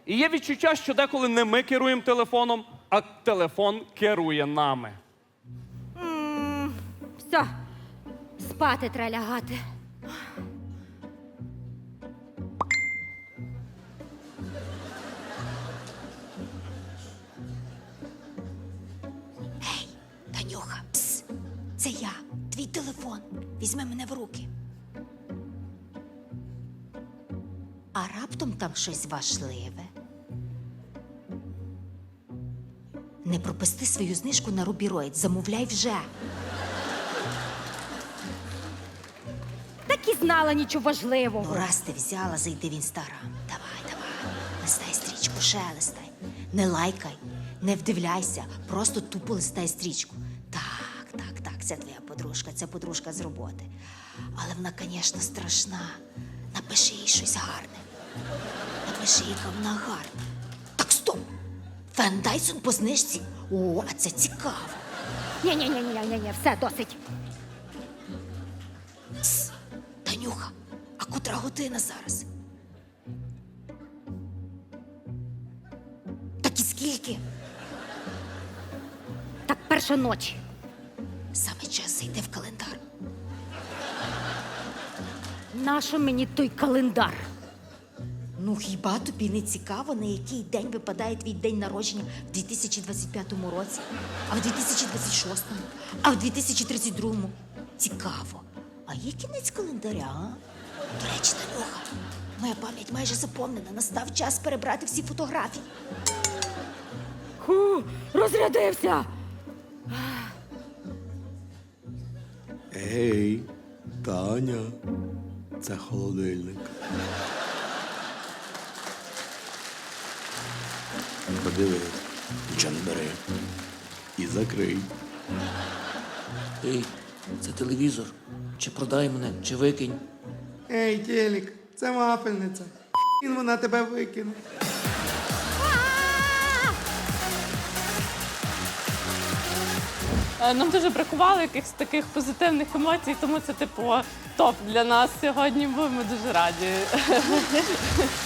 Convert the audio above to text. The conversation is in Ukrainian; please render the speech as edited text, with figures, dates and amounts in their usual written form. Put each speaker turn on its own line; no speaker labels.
І є відчуття, що деколи не ми керуємо телефоном, а телефон керує нами.
Все, спати треба лягати.
Танюха, пс, це я, твій телефон. Візьми мене в руки. А раптом там щось важливе. Не пропусти свою знижку на Рубіроїд, замовляй вже.
Так і знала нічого важливого.
Ну, раз ти взяла, зайди в Інстаграм. Давай. Листай стрічку, шелестай. Не лайкай, не вдивляйся, просто тупо листай стрічку. Так, це твоя подружка, це подружка з роботи. Але вона, звісно, страшна. Напиши їй щось гарне. Напиши, яка вона гарна. Так, стоп! Фен Дайсон по знижці? О, а це цікаво.
Ні, все, досить.
Танюха, а котра година зараз? Так і скільки?
Так, перша ночі.
Саме час зайти в календар.
Нащо мені той календар?
Ну, хіба тобі не цікаво, на який день випадає твій день народження в 2025 році, а в 2026-му, а в 2032-му? Цікаво. А є кінець календаря, а? До речі, Танюха, моя пам'ять майже заповнена. Настав час перебрати всі фотографії.
Розрядився!
Ей, Таня, це холодильник. Подивись, нічого не бери. І закрий.
Ей, це телевізор. Чи продай мене, чи викинь.
Ей, Телік, це вафельниця. Він вона тебе викине.
Нам дуже бракувало якихось таких позитивних емоцій, тому це, типу, топ для нас сьогодні, бо ми дуже раді.